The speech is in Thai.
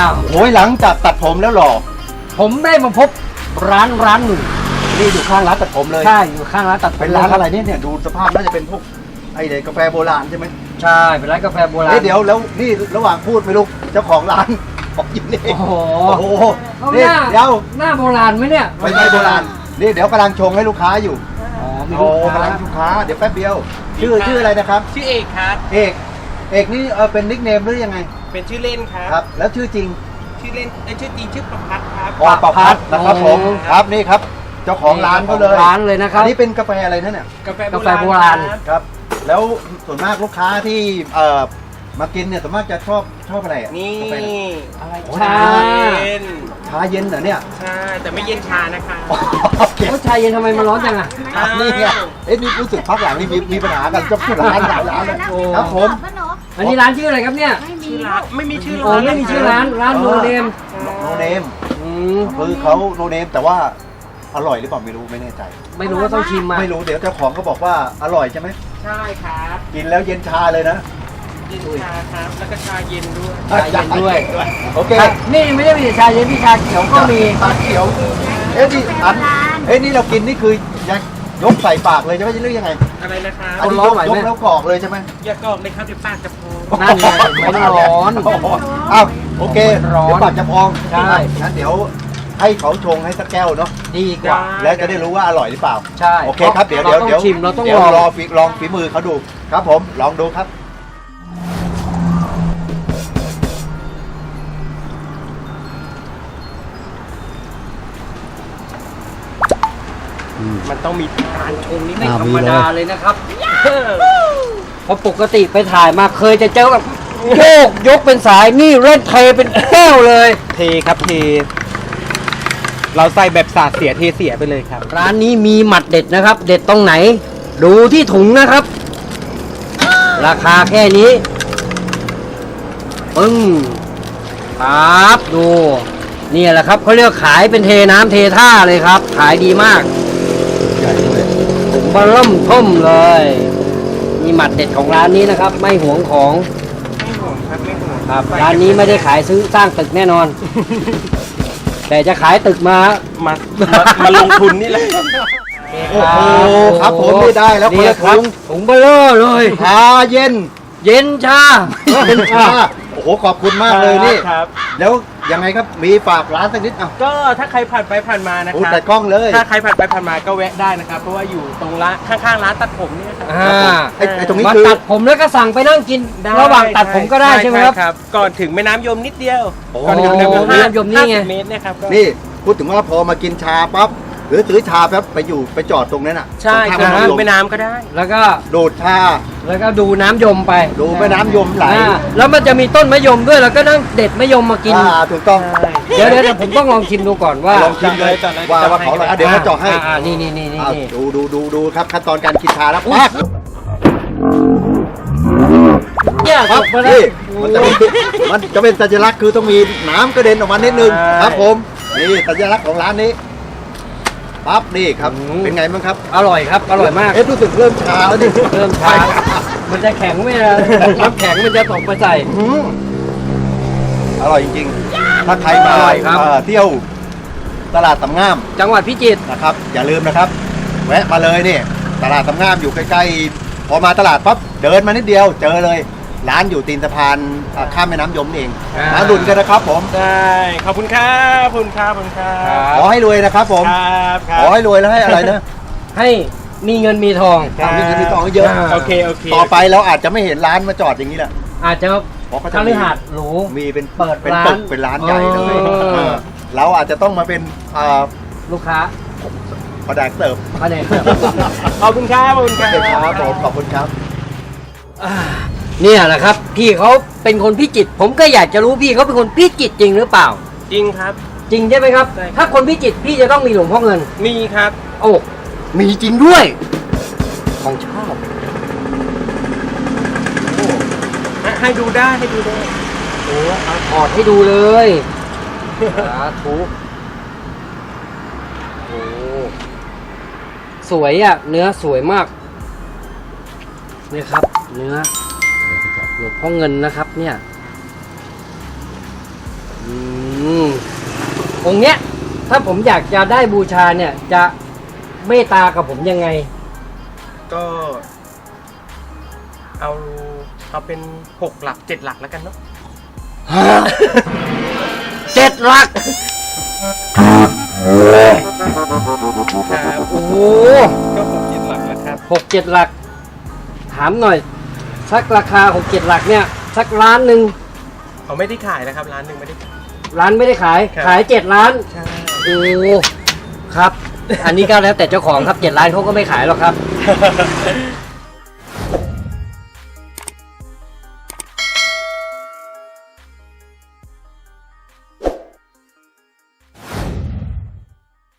ามโอ้ยหลังจากตัดผมแล้วหรอผมได้มาพบร้านหนึ่งนี่อยู่ข้างร้านตัดผมเลยใช่อยู่ข้างร้านตัดผมเป็นร้านอะไรเนี่ยดูสภาพน่าจะเป็นพวกไอเด็กกาแฟโบราณใช่ไหมใช่เป็นร้านกาแฟโบราณเดี๋ยวแล้วนี่ระหว่างพูดไม่รู้เจ้าของร้านบอกอยู่นี่โอ้โหนี่เดี๋ยวหน้าโบราณไหมเนี่ยไม่ใช่โบราณนี่เดี๋ยวกำลังชงให้ลูกค้าอยู่มีลูกค้ากำลังลูกค้าเดี๋ยวแป๊บเดียวชื่ออะไรนะครับชื่อเอกครับเอกนี่เป็นนิคเนมหรือยังไงเป็นชื่อเล่นครับครับแล้วชื่อจริงชื่อเล่นชื่อจริงชื่อประพัฒน์ครับประพัฒน์นะครับผมครับนี่ครับเจ้าของร้านเขาเลยร้านเลยนะครับอันนี้เป็นกาแฟอะไรนั่นเนี่ยกาแฟโบราณครับแล้วส่วนมากลูกค้าที่มากินเนี่ยส่วนมากจะชอบอะไรนี่อะไรชาเย็นเหรอเนี่ยใช่แต่ไม่เย็นชานะคะชาเย็นทำไมมันร้อนจังอ่ะนี่ไงนี่รู้สึกพักหลังนี่มีปัญหากันเจ้าของร้านหลายร้านเลยครับผมอันนี้ร้านชื่ออะไรครับเนี่ยชื่อร้านไม่มีชื่อร้านไม่มีชื่อร้านโนเนมคือเขาโนเนมแต่ว่าอร่อยหรือเปล่าไม่รู้ไม่แน่ใจไม่รู้ว่าต้องชิมมาไม่รู้เดี๋ยวเจ้าของก็บอกว่าอร่อยใช่ไหมใช่ครับกินแล้วเย็นชาเลยนะเย็นชาครับแล้วก็ชาเย็นด้วยชาเย็นด้วยโอเคนี่ไม่ได้มีชาเย็นพี่ชาเขียวก็มีชาเขียวนี่เรากินนี่คือยังยกใส่ปากเลยใช่ไหมหรือยังไงอะไรนะครับอันนี้ยกแล้วกรอกเลยใช่ไหมอย่ากรอกเลยครับเดี๋ยวปากจะพองนั่นไงไม่ร้อนอ้าวโอเคเดี๋ยวปากจะพองใช่งั้นเดี๋ยวให้เขาชงให้สักแก้วเนาะดีกว่าแล้วจะได้รู้ว่าอร่อยหรือเปล่าใช่โอเคครับเดี๋ยวชิมเราต้องลองฝีมือเขาดูครับผมลองดูครับมันต้องมีการชงนี่ไม่ธรรมดาเลยนะครับเพราะปกติไปถ่ายมาเคยจะเจอแบบยกเป็นสายนี่เล่นเทเป็นแก้วเลยเทครับเทเราใส่แบบสาดเสียเทเสียไปเลยครับร้านนี้มีหมัดเด็ดนะครับเด็ดตรงไหนดูที่ถุงนะครับ ราคาแค่นี้ปึ้งครับดูนี่แหละครับเขาเรียกขายเป็นเทน้ำเทท่าเลยครับขายดีมากถุงบะเริ่มท่มเลยนี่หมัดเด็ดของร้านนี้นะครับไม่หวงของไม่ห่วงครับไม่ห่วงครับร้านนี้ไม่ได้ขายซื้อสร้างตึกแน่นอนแต่จะขายตึกมาลงทุนนี่แหละโอ้โหครับผมไม่ได้แล้วครับถุงเบลอเลยชาเย็นชาโอ้โหขอบคุณมากเลยนี่แล้วยังไงครับมีฝากร้านสักนิดอ่ะก็ถ้าใครผ่านไปผ่านมานะครับแต่กล้องเลยถ้าใครผ่านไปผ่านมาก็แวะได้นะครับเพราะว่าอยู่ตรงร้านข้างๆร้านตัดผมนี่ครับไอ้ตรงนี้คือตัดผมแล้วก็สั่งไปนั่งกินระหว่างตัดผมก็ได้ใช่ไหมครับก่อนถึงแม่น้ำยมนิดเดียวก่อนถึงแม่น้ำยมนี่ไงเมตรนะครับนี่พูดถึงว่าพอมากินชาปั๊บหรือซื้อชาแป๊บไปจอดตรงนั้นอ่ะใช่ครับดูแม่น้ำก็ได้แล้วก็ดูดชาแล้วก็ดูน้ำยมไปดูแม่น้ำยมไหลแล้วมันจะมีต้นมะยมด้วยแล้วก็นั่งเด็ดมะยมมากินถูกต้องเดี๋ยวผมต้องลองชิมดูก่อนว่าลองชิมเลยว่าเขาอร่อยเดี๋ยวเขาเจาะให้นี่ดูครับขั้นตอนการกินชาแล้วปั๊บเนี่ยครับนี่มันจะเป็นสัญลักษณ์คือต้องมีน้ำกระเด็นออกมานิดนึงครับผมนี่สัญลักษณ์ของร้านนี้ปั๊บนี่ครับเป็นไงบ้างครับอร่อยครับอร่อยมากรู้สึกเริ่มชาแล้วนี่เริ่มชามันจะแข็งไหมน้ำแข็งมันจะตกไปใส่อร่อยจริงๆถ้าใครมาเที่ยวตลาดสำงามจังหวัดพิจิตรนะครับอย่าลืมนะครับแวะมาเลยนี่ตลาดสำงามอยู่ใกล้ๆพอมาตลาดปั๊บเดินมานิดเดียวเจอเลยร้านอยู่ตีนสะพานข้ามแม่น้ำยมเองมาดุนกันนะครับผมได้ขอบคุณครับขอให้รวยนะครับผมขอให้รวยแล้วให้อะไรนะให้มีเงินมีทองมีเงินมีทองเยอะโอเคต่อไปเราอาจจะไม่เห็นร้านมาจอดอย่างนี้แหละอาจจะคฤหาสน์หรูมีเป็นเปิดเป็นตึกเป็นร้านใหญ่เลยเราอาจจะต้องมาเป็นลูกค้าแผนกเสิร์ฟขอบคุณครับผมขอบคุณครับเนี่ยแหละครับพี่เขาเป็นคนพิจิตรผมก็อยากจะรู้พี่เขาเป็นคนพิจิตรจริงหรือเปล่าจริงครับจริงใช่ไหมครับถ้าคนพิจิตรพี่จะต้องมีหลวงพ่อเงินมีครับโอ้มีจริงด้วยของชอบให้ดูได้โอ้ถอดให้ดูเลยสาธุโอ้สวยอ่ะเนื้อสวยมากนี่ครับเนื้อหลวงพ่อเงินนะครับเนี่ยองค์เนี้ยถ้าผมอยากจะได้บูชาเนี่ยจะเมตตากับผมยังไงก็ เอาเป็น6 หลัก 7 หลักแล้วกันเนาะ 7 หลักครับโอ้โหก็6 7 หลักแล้วครับ 6-7 หลัก ถามหน่อย สักราคา 6-7 หลักเนี่ย สักล้านหนึ่งเขาไม่ได้ขายนะครับร้านหนึ่งไม่ได้ขายร้านไม่ได้ขายครับขาย 7 ล้านใช่โอ้ครับ อันนี้ก็แล้วแต่เจ้าของครับ 7 ล้านเขาก็ไม่ขายหรอกครับ